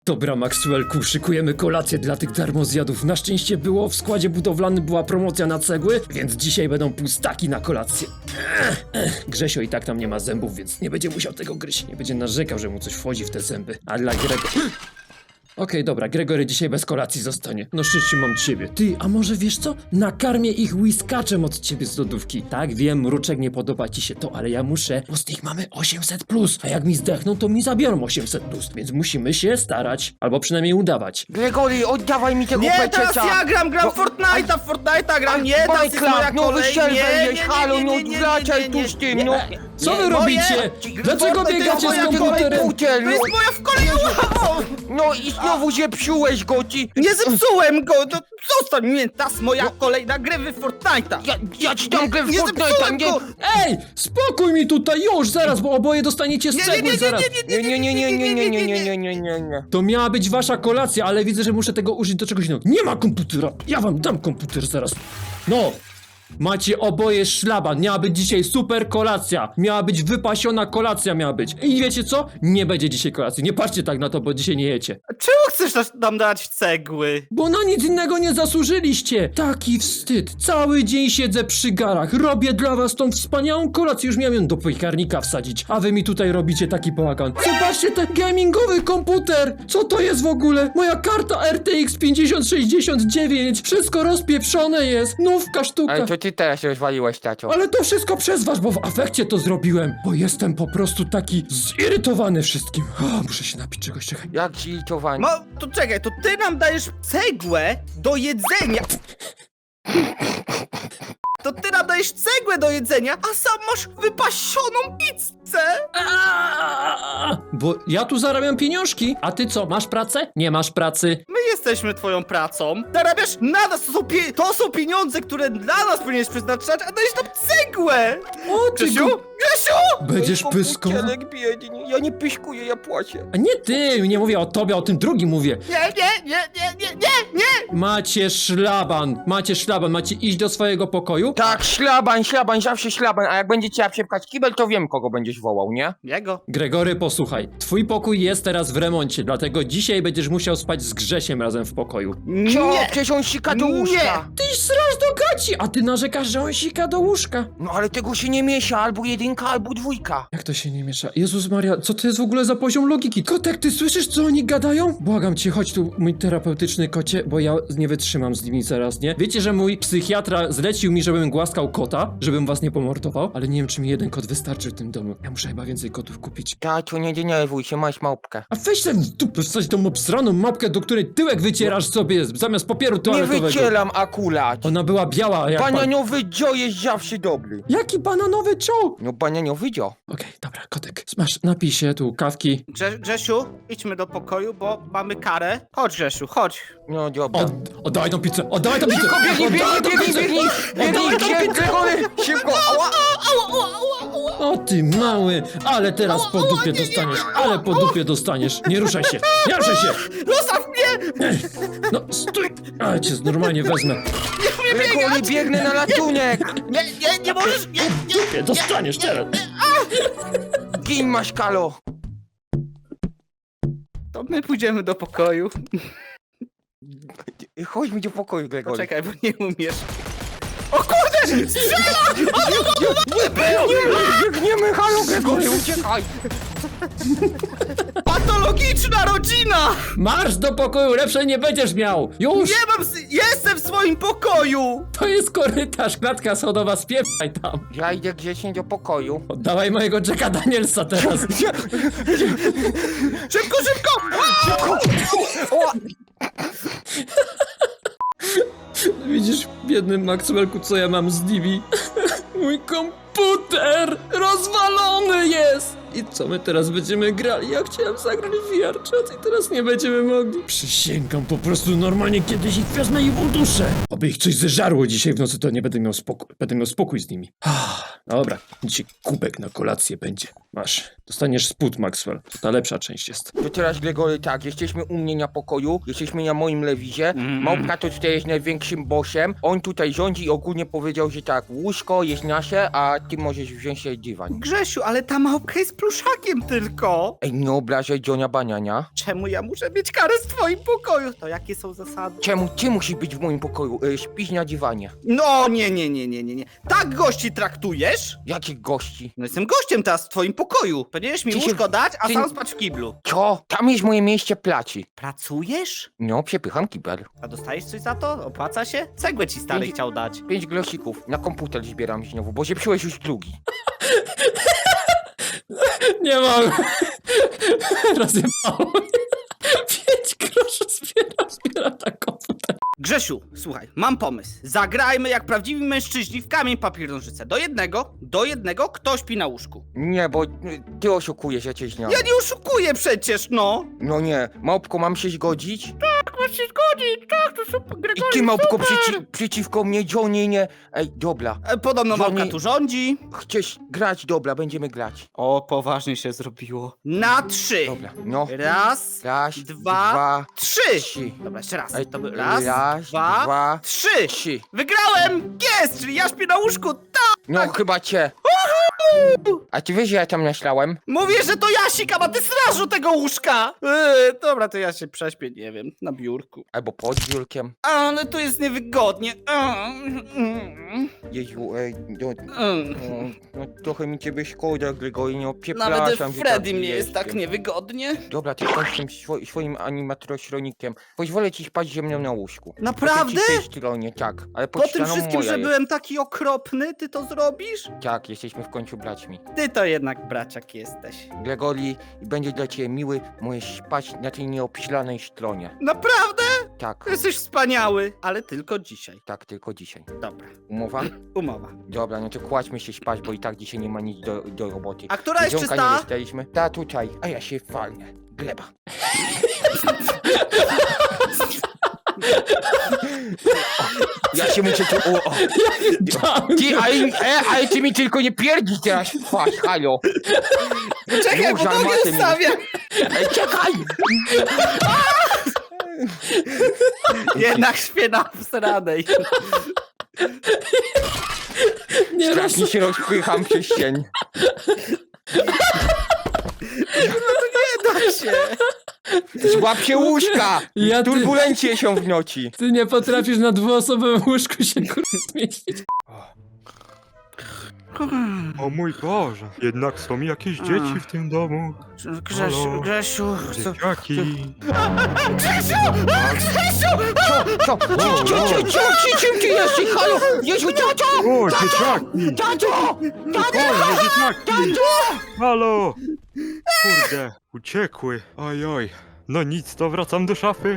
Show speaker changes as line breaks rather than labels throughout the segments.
Dobra, Maxwellku, szykujemy kolację dla tych darmozjadów. Na szczęście było, w składzie budowlanym była promocja na cegły, więc dzisiaj będą pustaki na kolację. Grzesio i tak tam nie ma zębów, więc nie będzie musiał tego gryźć. Nie będzie narzekał, że mu coś wchodzi w te zęby. A dla Okej, dobra, Gregory dzisiaj bez kolacji zostanie. No szczęście mam ciebie. Ty, a może wiesz co? Nakarmię ich whiskaczem od ciebie z lodówki. Tak, wiem, Mruczek, nie podoba ci się to, ale ja muszę, bo z nich mamy 800+. A jak mi zdechną, to mi zabiorą 800+. Więc musimy się starać. Albo przynajmniej udawać.
Gregory, oddawaj mi tego
Nie, teraz
peceta!
ja gram Fortnite'a gram, nie, teraz jest moja
no
kolej,
wysielwejesz, halo, no wracaj tu z tym, no!
Co wy robicie? Dlaczego
Fortnite
biegacie
to
z
moja
komputerem?
komputer,
To jest moja w kolei,
no i znowu zepsułeś go, ty!
Nie zepsułem go, no zostań mnie, teraz moja kolej na gry w Fortnite'a.
Ja ci dam grę w
Nie
Fortnite'a,
zepsułem
nie!
go.
Ej, spokój mi tutaj już, zaraz, bo oboje dostaniecie z cegły zaraz.
Nie.
To miała być wasza kolacja, ale widzę, że muszę tego użyć do czegoś innego. Nie ma komputera! Ja wam dam komputer zaraz. No! Macie oboje szlaban. Miała być dzisiaj super kolacja. Miała być wypasiona kolacja, miała być. I wiecie co? Nie będzie dzisiaj kolacji. Nie patrzcie tak na to, bo dzisiaj nie jecie.
Czemu chcesz nam dać cegły?
Bo na nic innego nie zasłużyliście. Taki wstyd. Cały dzień siedzę przy garach. Robię dla was tą wspaniałą kolację. Już miałem ją do piekarnika wsadzić. A wy mi tutaj robicie taki bałagan. Zobaczcie ten gamingowy komputer. Co to jest w ogóle? Moja karta RTX 5069. Wszystko rozpieprzone jest. Nówka sztuka.
Ale to ty teraz rozwaliłeś, tacio.
Ale to wszystko przez was, bo w afekcie to zrobiłem. Bo jestem po prostu taki zirytowany wszystkim. Muszę się napić czegoś, czekaj.
Jak zirytowany.
No, to czekaj, to ty nam dajesz cegłę do jedzenia. To ty nam dajesz cegłę do jedzenia, a sam masz wypasioną pizzę.
Bo ja tu zarabiam pieniążki. A ty co, masz pracę? Nie masz pracy.
My jesteśmy twoją pracą. Zarabiasz na nas, to są pieniądze, które dla nas powinieneś przeznaczać, a dajesz nam cegłę.
O, ty
Grzesiu? Grzesiu!
Będziesz pyską.
biedny, ja nie pyskuję, ja płaczę.
A nie ty, nie mówię o tobie, o tym drugim mówię.
Nie.
Macie szlaban, macie iść do swojego pokoju.
Tak, szlaban, zawsze szlaban, a jak będzie trzeba przepchać kibel, to wiem, kogo będziesz wołał, nie?
Jego.
Gregory, posłuchaj, twój pokój jest teraz w remoncie, dlatego dzisiaj będziesz musiał spać z Grzesiem razem w pokoju.
Co?
Nie.
Przecież on sika do łóżka.
Ty srasz do gaci, a ty narzekasz, że on sika do łóżka.
No ale tego się nie miesza, albo jedynka, albo dwójka.
Jak to się nie miesza? Jezus Maria, co to jest w ogóle za poziom logiki? Kotek, ty słyszysz, co oni gadają? Błagam cię, chodź tu, mój terapeutyczny kocie, bo ja nie wytrzymam z nimi zaraz, nie? Wiecie, że mój psychiatra zlecił mi, żebym głaskał kota, żebym was nie pomordował, ale nie wiem, czy mi jeden kot wystarczy w tym domu. Ja muszę chyba więcej kotów kupić.
Tato, nie denerwuj się, masz małpkę.
A weź ten w dupę wsadź tą obsraną mapkę, do której tyłek wycierasz sobie zamiast papieru
Nie
toaletowego.
wycielam akurat.
Ona była biała jak
Bananiowy dzio jest zawsze dobry.
Jaki bananowy czoł?
No bananiowy dzio.
Okej, dobra, kotek, smasz, napij się, tu kawki.
Grzesiu, idźmy do pokoju, bo mamy karę. Chodź, Grzesiu, chodź.
No dobra.
Oddawaj tą pizzę, oddawaj tą pizzę!
Biegnij, Gregory, szybko, ała!
O ty mały, ale teraz po dupie dostaniesz, ale po dupie dostaniesz. Nie ruszaj się, nie ruszaj się!
Zostaw mnie!
No stój! Ale cię normalnie wezmę.
Gregory, biegnę na ratunek!
Nie możesz, nie.
Dostaniesz teraz.
Gin masz, Kalo!
To my pójdziemy do pokoju.
Chodź mi do pokoju, Gregory.
Poczekaj, bo nie umiesz. O kurde! Strzela!
Biegniemy, halo, Gregory, uciekaj!
Patologiczna rodzina!
Marsz do pokoju, lepszej nie będziesz miał! Już!
Nie mam... Jestem w swoim pokoju!
To jest korytarz, klatka schodowa, spieprzaj tam.
Ja idę grzecznie do pokoju.
Oddawaj mojego Jacka Danielsa teraz.
Szybko!
Widzisz, biedny Maxwellku, co ja mam z nimi? Mój komputer rozwalony jest! I co my teraz będziemy grali? Ja chciałem zagrać w VR chat i teraz nie będziemy mogli. Przysięgam, po prostu normalnie kiedyś ich wezmę i uduszę. Oby ich coś zeżarło dzisiaj w nocy, to nie będę miał spokój. Będę miał spokój z nimi. Dobra, dzisiaj kubek na kolację będzie. Masz, dostaniesz spód, Maxwell. To ta lepsza część jest.
To teraz, Gregory, tak, jesteśmy u mnie na pokoju, jesteśmy na moim lewizie, Małpka to tutaj jest największym bossem, on tutaj rządzi i ogólnie powiedział, że tak, łóżko jest nasze, a ty możesz wziąć sobie dywan.
Grzesiu, ale ta małpka jest pluszaka! ptakiem tylko.
Ej, nie obrażaj Johna Baniania.
Czemu ja muszę mieć karę w twoim pokoju? To jakie są zasady?
Czemu ty musisz być w moim pokoju? Śpisz na dywanie.
No nie. Tak gości traktujesz?
Jakich gości?
No jestem gościem teraz w twoim pokoju. Powinieneś mi
Ty się-
łóżko dać, a
ty-
sam spać w kiblu.
Co? Tam jest moje miejsce pracy.
Pracujesz?
No, przepycham kibel.
A dostajesz coś za to? Opłaca się? Cegłę ci stary
Pięć-
chciał dać.
5 glosików. Na komputer zbieram znowu, bo zepsułeś już drugi.
Nie mam. Rozjebało mnie. 5 groszy zbiera na komputer.
Grzesiu, słuchaj, mam pomysł. Zagrajmy jak prawdziwi mężczyźni w kamień, papier, nożyce. Do jednego, kto śpi na łóżku.
Nie, bo ty oszukujesz, ja cię znam.
Ja nie oszukuję przecież, no.
No nie, małpko, mam się zgodzić?
Tak, masz się zgodzić, tak, to super,
I ty, małpko, przeciwko mnie, Johnny, nie. Ej, dobra.
Podobno
Johnny-
małka tu rządzi.
Chcesz grać? Dobra, będziemy grać.
O, poważnie się zrobiło. Na 3.
Dobra, no.
Raz,
Raz,
dwa, 3.
3.
Dobra, jeszcze raz.
Ej,
To był raz, dwa,
dwa,
3.
3.
Wygrałem! Jest! Czyli ja śpię na łóżku, tak!
No chyba cię. A ty wiesz, że ja tam naślałem?
Mówię, że to ja sikam, a ty strażu tego łóżka! Dobra, to ja się prześpię, nie wiem, na biurku.
Albo pod biurkiem.
Ale tu jest niewygodnie.
Jezu, ej, no trochę mi ciebie szkoda, Gregory, no przepraszam.
Nawet
że
Freddy
tak
mnie jest tak
jestem.
niewygodnie.
Dobra, ty skończ tym swoim animatronikiem. Pozwolę ci spać ze mną na łóżku.
Naprawdę?
Po tej stronie, tak. Ale
Po tym
ścianą
wszystkim,
moja
że
jest.
byłem taki okropny, ty to zrobisz?
Tak, jesteśmy w końcu braćmi.
Ty to jednak braciak jesteś.
Gregory, będzie dla ciebie miły, możesz spać na tej nieobślanej stronie.
Naprawdę?
Tak,
Jesteś wspaniały, ale tylko dzisiaj.
tak, tylko dzisiaj.
Dobra,
Umowa?
umowa.
Dobra, no to kładźmy się spać, bo i tak dzisiaj nie ma nic do roboty.
A która jest
Jedzonka nie
czysta?
dostaliśmy. Ta tutaj, a ja się walnę. Gleba. Ja się muszę tu... O. Ty, ale ty mi tylko nie pierdzi teraz w twarz, halo.
Czekaj,
Nóż
bo nogę
armaty mi-
stawiam!
Ej, czekaj!
Jednak śpię na wsranej.
Nie
Strasznie się rozpycham przez cień.
Da się.
Złap się łóżka!
Ja ty-
Turbulencje są w nocy.
Ty nie potrafisz na dwuosobowym łóżku się zmieścić.
O mój Boże, jednak są jakieś dzieci w tym domu. Halo?
Grzesiu,
Dzieciaki.
Co jesteś, halo? Jezu, tato!
O, dzieciaki!
Tato!
Boże, dzieciaki! Halo! Kurde, uciekły. Ojoj. No nic, to wracam do szafy.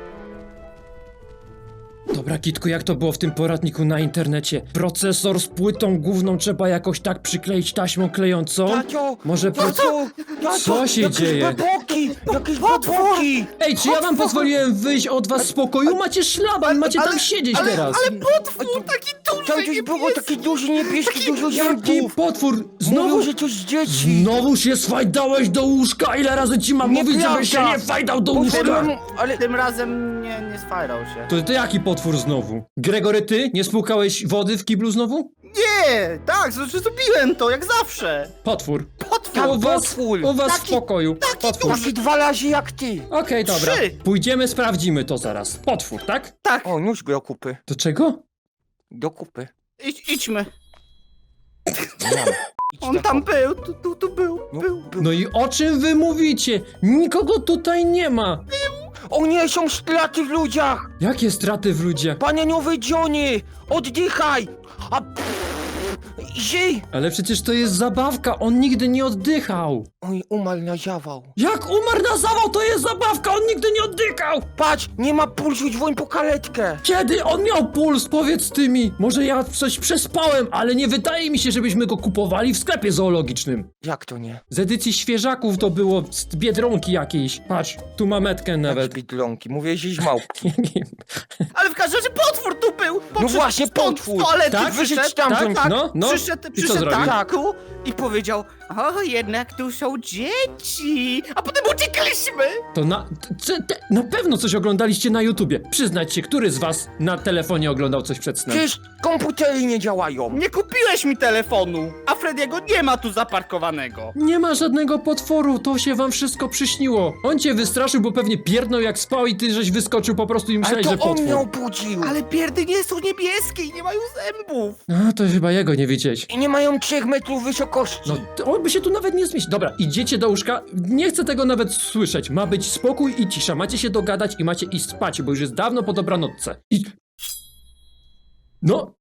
Dobra, Kitku, jak to było w tym poradniku na internecie? Procesor z płytą główną trzeba jakoś tak przykleić taśmą klejącą?
Tato!
Może
Tato!
Co się dzieje?
Jakieś baboki!
Ej, czy ja wam pozwoliłem wyjść od was z pokoju? Macie szlaban, macie tam siedzieć teraz!
Ale potwór taki duży,
Tam coś było taki duży niebieski, dużo
Jaki
zębów!
potwór!
Znowu,
Znowu...
że coś z dzieci!
Znowu się swajdałeś do łóżka! Ile razy ci mam mówić, żebyś się nie fajdał do łóżka?
Poszedłem, ale...
Tym razem nie sfajrał się.
To jaki potwór znowu? Gregory, ty? Nie spłukałeś wody w kiblu znowu?
Nie, tak, zrobiłem to, jak zawsze.
Potwór.
Potwór.
A u was,
potwór.
u was w pokoju. Potwór.
Taki 2 razy jak ty!
Okej, dobra.
3.
Pójdziemy, sprawdzimy to zaraz. Potwór, tak?
Tak,
O, nóż do kupy.
Do czego?
Do kupy.
idźmy.
Mam. Idź
On
na
tam
kupę.
był, tu był.
No,
No i o czym wy mówicie? Nikogo tutaj nie ma.
O nie, są straty w ludziach!
Jakie straty w ludziach?
Bananiowy Johnny! Oddychaj! A... Żyj!
Ale przecież to jest zabawka, on nigdy nie oddychał.
Oj, umarł na zawał.
Jak umarł na zawał, to jest zabawka, on nigdy nie oddychał!
Patrz, nie ma pulsu, dzwoń po karetkę!
Kiedy on miał puls, powiedz ty mi? Może ja coś przespałem, ale nie wydaje mi się, żebyśmy go kupowali w sklepie zoologicznym.
Jak to nie?
Z edycji świeżaków to było z Biedronki jakiejś. Patrz, tu ma metkę
Nawet
nawet.
bidlonki, mówię, że małpki.
Ale w każdym razie potwór tu był.
No właśnie,
stąd
potwór.
Z toalety
Tak?
wyszedł.
Wyszedł stamtąd.
Tak,
No, no.
Przyszedł,
I co zrobił?
tak, tu, i powiedział, o, jednak tu są dzieci. A potem uciekliśmy.
To na pewno coś oglądaliście na YouTubie. Przyznać się, który z was na telefonie oglądał coś przed snem?
Przecież komputery nie działają.
Nie kupiłeś mi telefonu, a Frediego nie ma tu zaparkowanego.
Nie ma żadnego potworu, to się wam wszystko przyśniło. On cię wystraszył, bo pewnie pierdnął jak spał i ty żeś wyskoczył po prostu i
Ale
myślałeś, że
to on
potwór.
mnie obudził.
Ale pierdy nie są niebieskie i nie mają zębów.
A, to chyba jego nie widzieć.
I nie mają 3 metrów wysokości.
No, on by się tu nawet nie zmieścił. Dobra, idziecie do łóżka. Nie chcę tego nawet słyszeć. Ma być spokój i cisza. Macie się dogadać i macie iść spać, bo już jest dawno po dobranocce. I... No,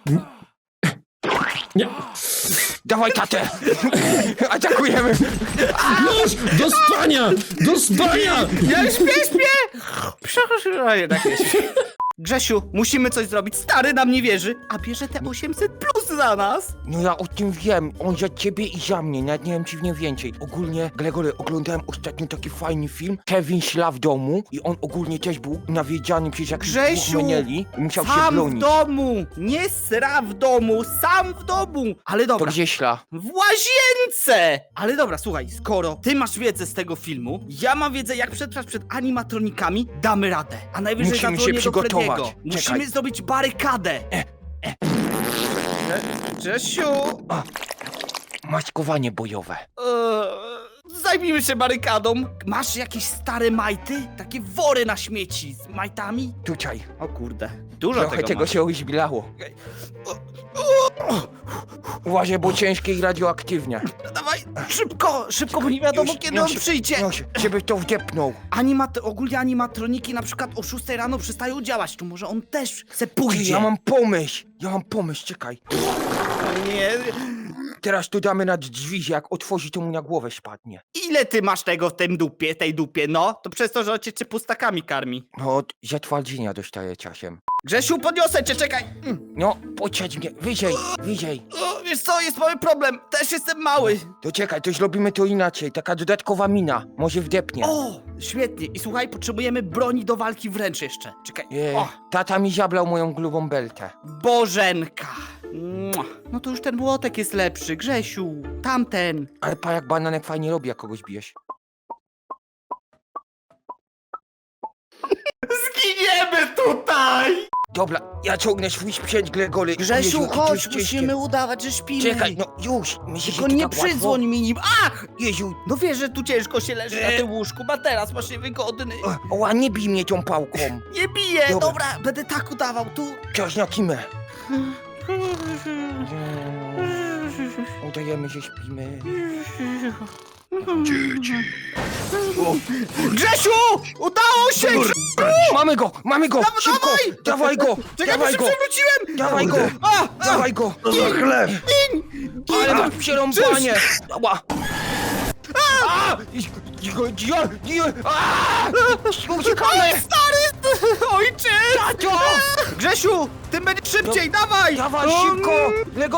nie.
Dawaj tatę. Atakujemy.
Już! Do spania! Do spania!
Ja śpię! Przepraszam, jednak nie śpię. Grzesiu, musimy coś zrobić. Stary nam nie wierzy, a bierze te 800 plus za nas.
No ja o tym wiem. On za ciebie i za mnie. Nawet nie wiem ci w nie więcej. Ogólnie, Gregory, oglądałem ostatnio taki fajny film. Kevin śla w domu i on ogólnie też był nawiedziany przez jakichś dwóch
Grzesiu,
meneli i musiał się
sam w
bronić.
domu, nie sra w domu, sam w domu. Ale
To
dobra,
gdzie śla?
w łazience! Ale dobra, słuchaj, skoro ty masz wiedzę z tego filmu, ja mam wiedzę, jak przetrwać przed animatronikami, damy radę. A najwyżej
Musimy się
zadzwonię do
przygotować.
Frediego.
Czekaj.
Musimy zrobić barykadę. Grzesiu,
Maskowanie bojowe.
zajmijmy się barykadą. Masz jakieś stare majty? Takie wory na śmieci z majtami?
Tutaj.
O kurde, dużo
Trochę tego
masz.
się uzbilało. Uważaj, bo ciężkie i radioaktywnie.
Dawaj, szybko, bo nie wiadomo kiedy on przyjdzie.
Żeby to wdepnął.
Ogólnie animatroniki na przykład o 6 rano przestają działać, to może on też chce
Ty,
pójdzie.
ja mam pomysł, czekaj.
Nie.
Teraz to damy nad drzwi, że jak otworzy, to mu na głowę spadnie.
Ile ty masz tego w tej dupie, no? To przez to, że on cię pustakami karmi.
No, od zatwardzenia dostaje czasem.
Grzesiu, podniosę cię, czekaj.
No, podsiadź mnie, wyżej.
O, wiesz co, jest mały problem, też jestem mały.
To czekaj, to zrobimy to inaczej, taka dodatkowa mina, może wdepnie.
O, świetnie. I słuchaj, potrzebujemy broni do walki wręcz jeszcze. Czekaj. O,
Tata mi zablał moją grubą beltę.
Bożenka. Mua. No to już ten młotek jest lepszy, Grzesiu. Tamten.
Ale pa jak bananek fajnie robi, jak kogoś bijesz.
Zginiemy tutaj!
Dobra, ja ciągnę swój sprzęt, Gregory.
Grzesiu,
Jezu, to
chodź,
jest ciężkie.
musimy udawać, że śpimy.
Czekaj, no już. Myślisz,
Tylko
że to
nie
tak łatwo?
przydzwoń mi nim. Ach!
Jezu,
No wiesz, że tu ciężko się leży na tym łóżku, materac masz niewygodny.
oła, nie bij mnie tą pałką.
Nie biję,
Dobra.
dobra, będę tak udawał, tu.
Czas na kimę. Udajemy, że śpimy.
Grzesiu! Udało się!
Mamy go! Szybko! Dawaj go!
Czekaj, bo
Dawaj
się
go!
przewróciłem!
Dawaj go! Dawaj go!
To za chleb!
Ale masz przerąbanie! Ała! Uciekamy!
Stary! Ojciec!
Tato!
Grzesiu! Ty będziesz szybciej, dawaj!
Dawaj szybko! Lego!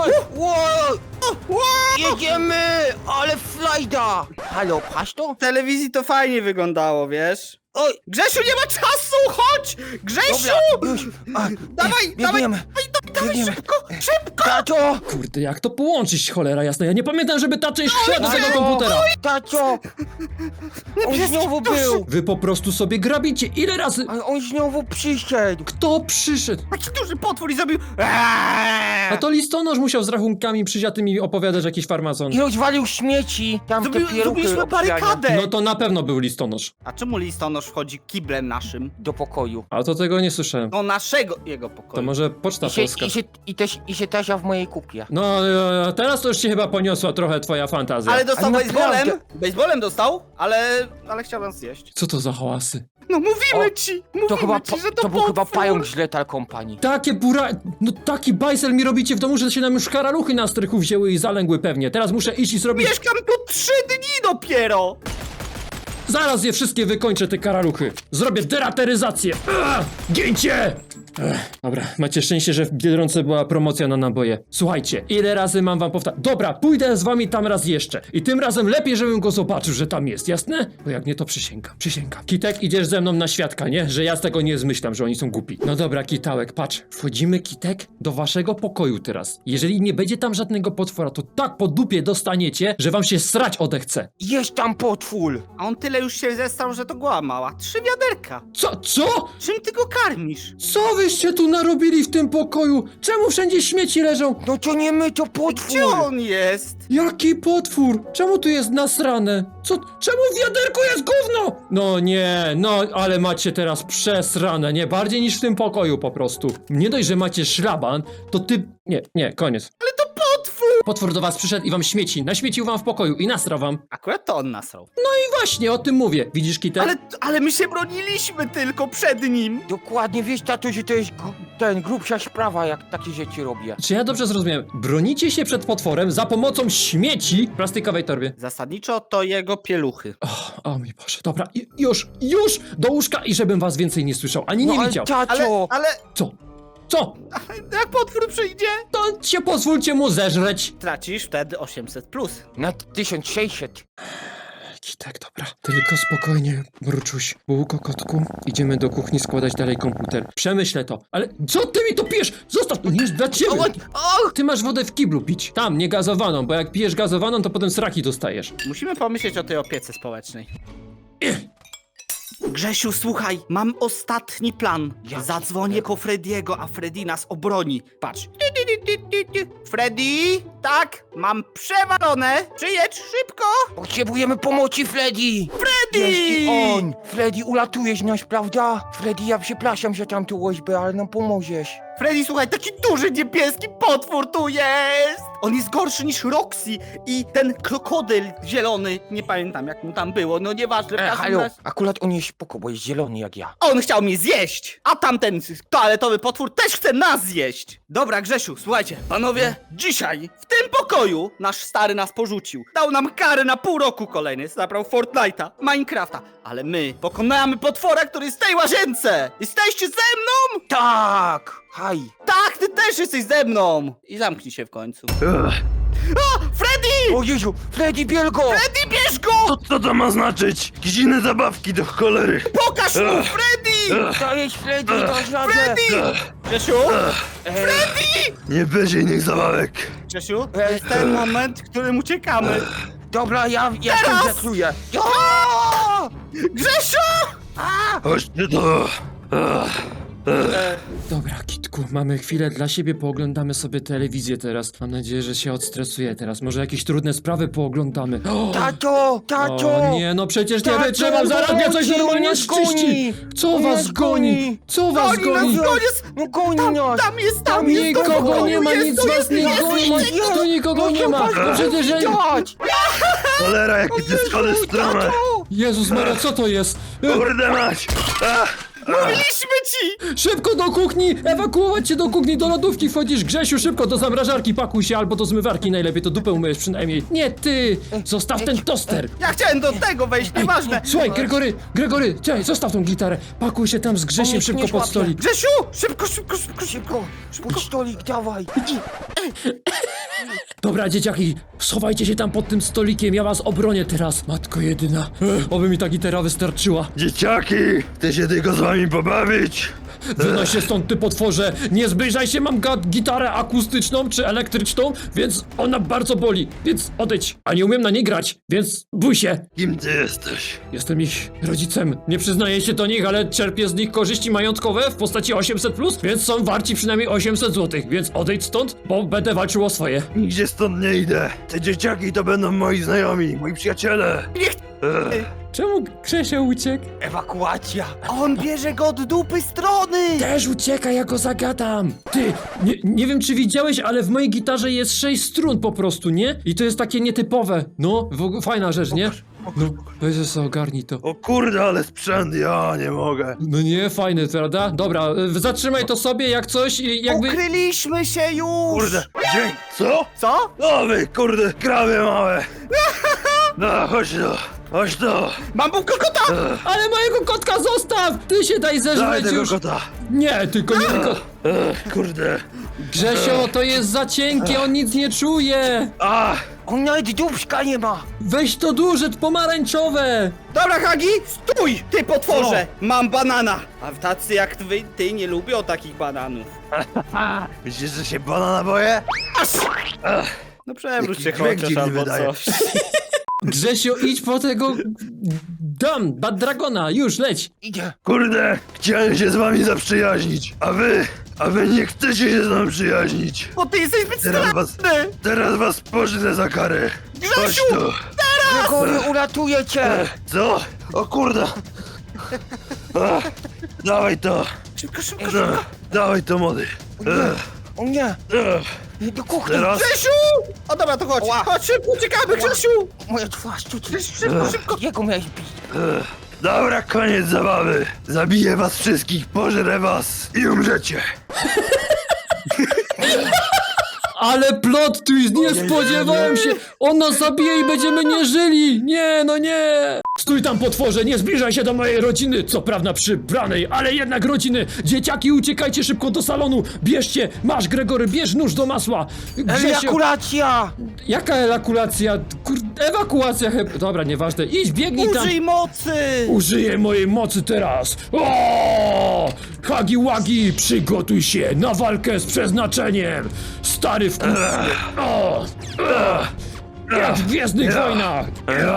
Jedziemy! Ale flajda! Halo, patrz to?
W telewizji to fajnie wyglądało, wiesz?
Oj!
Grzesiu, nie ma czasu! Chodź! Grzesiu!
Dobra, już!
Dawaj,
biegniemy!
dawaj,
Biegniemy.
szybko!
Tato!
Kurde, jak to połączyć, cholera jasna. Ja nie pamiętam, żeby ta część szła do tego komputera.
Tato! On znowu był!
Wy po prostu sobie grabicie. Ile razy?
Ale on znowu przyszedł!
Kto przyszedł?
Taki duży potwór i zrobił...
A to listonosz musiał z rachunkami przyziatymi opowiadać jakiś farmazon.
I rozwalił śmieci! Tam te pieluchy
Zrobiliśmy
obsrane.
barykadę!
No to na pewno był listonosz.
A czemu listonosz wchodzi kiblem naszym?
Do pokoju.
A to tego nie słyszałem.
Do naszego, jego
To
pokoju.
może Poczta Polska.
I się tasia w mojej kupie.
No, teraz to już się chyba poniosła trochę twoja fantazja.
Ale dostał
Ale
baseballem.
naprawdę.
Baseballem dostał, ale chciał nas zjeść.
Co to za hałasy?
No mówimy
O,
ci, że
To był chyba
potwór.
pająk z Lethal Company.
Takie no taki bajsel mi robicie w domu, że się nam już karaluchy na strychu wzięły i zalęgły pewnie. Teraz muszę iść i zrobić...
Mieszkam tu 3 dni dopiero!
Zaraz je wszystkie wykończę, te karaluchy. Zrobię derateryzację. Gięcie! Dobra, macie szczęście, że w Biedronce była promocja na naboje. Słuchajcie, ile razy mam wam powtarzać? Dobra, pójdę z wami tam raz jeszcze. I tym razem lepiej, żebym go zobaczył, że tam jest, jasne? Bo jak nie, to przysięgam. Kitek, idziesz ze mną na świadka, nie? Że ja z tego nie zmyślam, że oni są głupi. No dobra, Kitałek, patrz. Wchodzimy, Kitek, do waszego pokoju teraz. Jeżeli nie będzie tam żadnego potwora, to tak po dupie dostaniecie, że wam się srać odechce.
Jest tam potwór!
A on tyle już się zestał, że to goła mała. 3 wiaderka.
Co?
Czym ty go karmisz?
Co wyście tu narobili w tym pokoju? Czemu wszędzie śmieci leżą?
No to nie my, to potwór!
Gdzie on jest?
Jaki potwór? Czemu tu jest nasrane? Czemu w wiaderku jest gówno? No nie, no ale macie teraz przesrane, nie? Bardziej niż w tym pokoju po prostu. Nie dość, że macie szlaban, to ty... Nie, koniec.
Ale to potwór!
Potwór do was przyszedł i wam śmieci. Naśmiecił wam w pokoju i nasrał wam.
Akurat to on nasrał.
I właśnie o tym mówię. Widzisz, Kitek?
Ale my się broniliśmy tylko przed nim.
Dokładnie, wiesz, tato, że to jest grubsza sprawa, jak takie rzeczy robię.
Czy ja dobrze zrozumiałem? Bronicie się przed potworem za pomocą śmieci w plastikowej torbie.
Zasadniczo to jego pieluchy.
O mój Boże, dobra, już, do łóżka i żebym was więcej nie słyszał, ani nie
ale
widział.
tato!
Ale
Co?
jak potwór przyjdzie?
To się pozwólcie mu zeżreć.
Tracisz wtedy 800 plus.
Na 1600.
Kitek, dobra. Tylko spokojnie, mruczuś. Bułko, kotku, idziemy do kuchni składać dalej komputer. Przemyślę to. Ale co ty mi to pijesz? Zostaw, to nie jest dla ciebie. Ty masz wodę w kiblu pić. Tam, nie gazowaną, bo jak pijesz gazowaną, to potem sraki dostajesz.
Musimy pomyśleć o tej opiece społecznej. Grzesiu, słuchaj, mam ostatni plan.
Jaki?
Zadzwonię po Frediego, a Freddy nas obroni. Patrz. Freddy? Tak, mam przewalone. Przyjedź szybko.
Potrzebujemy pomocy, Freddy!
Freddy!
Jest i on! Freddy, ulatujesz nas, prawda? Freddy, ja przepraszam za tamtą łoźbę, ale nam pomożesz.
Freddy, słuchaj, taki duży niebieski potwór tu jest! On jest gorszy niż Roxy i ten krokodyl zielony, nie pamiętam jak mu tam było, no nieważne. w każdym
Halo,
razie-
akurat on jest spoko, bo jest zielony jak ja.
On chciał mnie zjeść, a tamten toaletowy potwór też chce nas zjeść. Dobra, Grzesiu, słuchajcie, panowie, dzisiaj w tym pokoju nasz stary nas porzucił. Dał nam karę na pół roku kolejny, zabrał Fortnite'a, Minecrafta, ale my pokonamy potwora, który jest w tej łazience. Jesteście ze mną?
Tak! Haj!
Tak, ty też jesteś ze mną! I zamknij się w końcu. O! Freddy!
O Jezu, Freddy, biel go!
Freddy, bierz go!
Co to ma znaczyć? Jakieś inne zabawki do cholery.
Pokaż mu, Freddy!
Dajesz, Freddy, dasz radę!
Freddy! Grzesiu?
Nie będzie innych zabawek.
Grzesiu, to jest ten moment, w którym uciekamy.
Dobra, ja
Teraz!
tym zakluję.
Grzesiu!
Chodźcie to.
Dobra, Kitku, mamy chwilę dla siebie, pooglądamy sobie telewizję teraz. Mam nadzieję, że się odstresuje teraz. Może jakieś trudne sprawy pooglądamy.
Tato! Tato!
O nie, no przecież nie
Tato,
wytrzymam, zaraz mnie coś
pomocy,
normalnie
on nas
szczyści!
goni!
Co
On
was
nas
goni?
goni!
Co was goni?
No goni nas!
Tam jest,
Nikogo nie ma, nic was nie goni! Tu nikogo nie ma! No przecież ja...
Dać!
Cholera, jakie te schody strome.
Jezus Maria, co to jest?
Kurde mać.
Mówiliśmy ci!
Szybko do kuchni! Ewakuować się do kuchni, do lodówki wchodzisz! Grzesiu, szybko do zamrażarki pakuj się, albo do zmywarki najlepiej, to dupę umyjesz przynajmniej. Nie ty! Zostaw ten toster!
Ja chciałem do tego wejść, nieważne.
Słuchaj, Gregory, czekaj, zostaw tą gitarę. Pakuj się tam z Grzesiem
On
szybko
nie
pod
złapie.
stolik.
Grzesiu! Szybko!
Szybko! Pod stolik, dawaj!
Dobra, dzieciaki, schowajcie się tam pod tym stolikiem, ja was obronię teraz. Matko jedyna, oby mi ta gitara wystarczyła.
Dzieciaki, chcę się tylko z wami pobawić.
Wynoś się stąd, ty potworze! Nie zbliżaj się, mam gitarę akustyczną czy elektryczną, więc ona bardzo boli, więc odejdź. A nie umiem na niej grać, więc bój się.
Kim ty jesteś?
Jestem ich rodzicem. Nie przyznaję się do nich, ale czerpię z nich korzyści majątkowe w postaci 800+, więc są warci przynajmniej 800 zł, więc odejdź stąd, bo będę walczył o swoje.
Nigdzie stąd nie idę. Te dzieciaki to będą moi znajomi, moi przyjaciele.
Czemu Grzesio uciekł?
Ewakuacja!
On bierze go od dupy strony!
Też ucieka, ja go zagadam! Ty, nie wiem czy widziałeś, ale w mojej gitarze jest 6 strun po prostu, nie? I to jest takie nietypowe. No, fajna rzecz, nie? No, weź sobie ogarnij to.
O kurde, ale sprzęt, ja nie mogę.
No nie, fajny, prawda? Dobra, zatrzymaj to sobie jak coś i jakby...
Ukryliśmy się już!
Kurde, dzień. Co?
Co?
O wy, kurde, krawie małe. No, chodź tu.
Mam bułkę kota!
Ale mojego kotka zostaw! Zostaw! Ty się daj
Daj
zeżreć
tego
już!
kota.
Nie, tylko nie tylko...
Kurde.
Grzesio, to jest za cienkie, on nic nie czuje!
A!
On nawet dubska nie ma.
Weź to duże, pomarańczowe!
Dobra, Hagi, stój! Ty potworze! Mam banana! A tacy jak ty nie lubią takich bananów.
Myślisz, że się banana boję?
No przewróć się
Jaki dźwięk
chociaż
dziwny
albo
wydaje.
coś.
Grzesio, idź po tego... Bad Dragona, już, leć!
Idzie.
Kurde, chciałem się z wami zaprzyjaźnić, a wy nie chcecie się z nami przyjaźnić.
Bo ty jesteś zbyt straszny!
Teraz was pożrę za karę. Chodź
Grzesiu!
tu.
Gregory, uratuję cię.
Co? O kurde. Ach, dawaj to.
Szybko, szybko,
Dawaj to, młody.
O nie. Do kuchni.
Teraz?
Grzesiu! O dobra, to chodź. Chodź, szybko, uciekamy, Grzesiu!
Moja twarz tutaj.
Szybko, szybko.
Jego miałeś bić.
Dobra, koniec zabawy. Zabiję was wszystkich, pożrę was i umrzecie.
Ale plot twist, nie spodziewałem się! On nas zabije i będziemy nie żyli! Nie, no nie! Stój tam, potworze, nie zbliżaj się do mojej rodziny! Co prawda przybranej, ale jednak rodziny! Dzieciaki, uciekajcie szybko do salonu! Bierzcie! Masz, Gregory, bierz nóż do masła!
Ejakulacja.
Jaka ejakulacja? Ewakuacja chyba... Dobra, nieważne. Idź, biegnij tam!
Użyj mocy!
Użyję mojej mocy teraz! O! Hagi Wagi, przygotuj się na walkę z przeznaczeniem! Stary w o! Jak w Gwiezdnych Wojnach!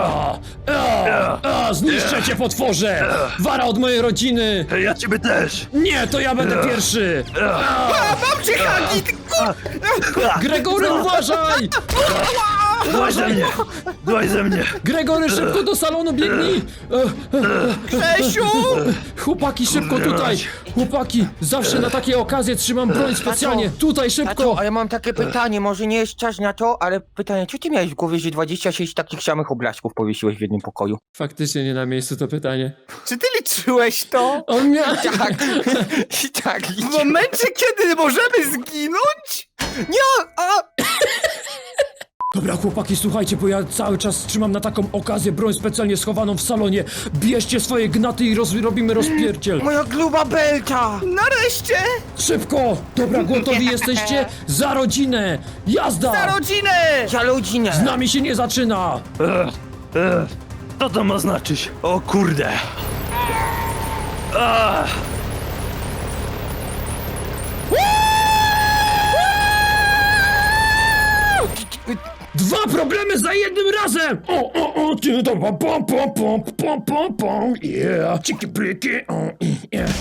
Zniszczę cię, potworze! Wara od mojej rodziny!
Ja ciebie też.
Nie, to ja będę pierwszy!
Mam cię, Hagi! Ty
Gregory, uważaj!
Dłaj ze mnie. Dłaj ze mnie.
Gregory, szybko do salonu biegnij!
Grzesiu!
Chłopaki, szybko tutaj! Chłopaki, zawsze na takie okazje trzymam broń specjalnie! Tutaj,
Tato,
szybko!
a ja mam takie pytanie, może nie jest czas na to, ale pytanie, co ty miałeś w głowie, że 26 takich samych obrazków powiesiłeś w jednym pokoju?
Faktycznie nie na miejscu to pytanie.
Czy ty liczyłeś to?
On miał...
Tak, tak.
W momencie, kiedy możemy zginąć? Nie!
Dobra, chłopaki, słuchajcie, bo ja cały czas trzymam na taką okazję broń specjalnie schowaną w salonie. Bierzcie swoje gnaty i robimy rozpierdziel.
Moja gruba belta!
Nareszcie!
Szybko! Dobra, gotowi jesteście? Za rodzinę! Jazda!
Na rodzinę!
Za rodzinę!
Z nami się nie zaczyna!
Co to ma znaczyć? O kurde. Ah.
2 problemy za jednym razem! O, ty, to pom, pom, pom, pom, pom, pom, yeah. Ciki, pliki, yeah.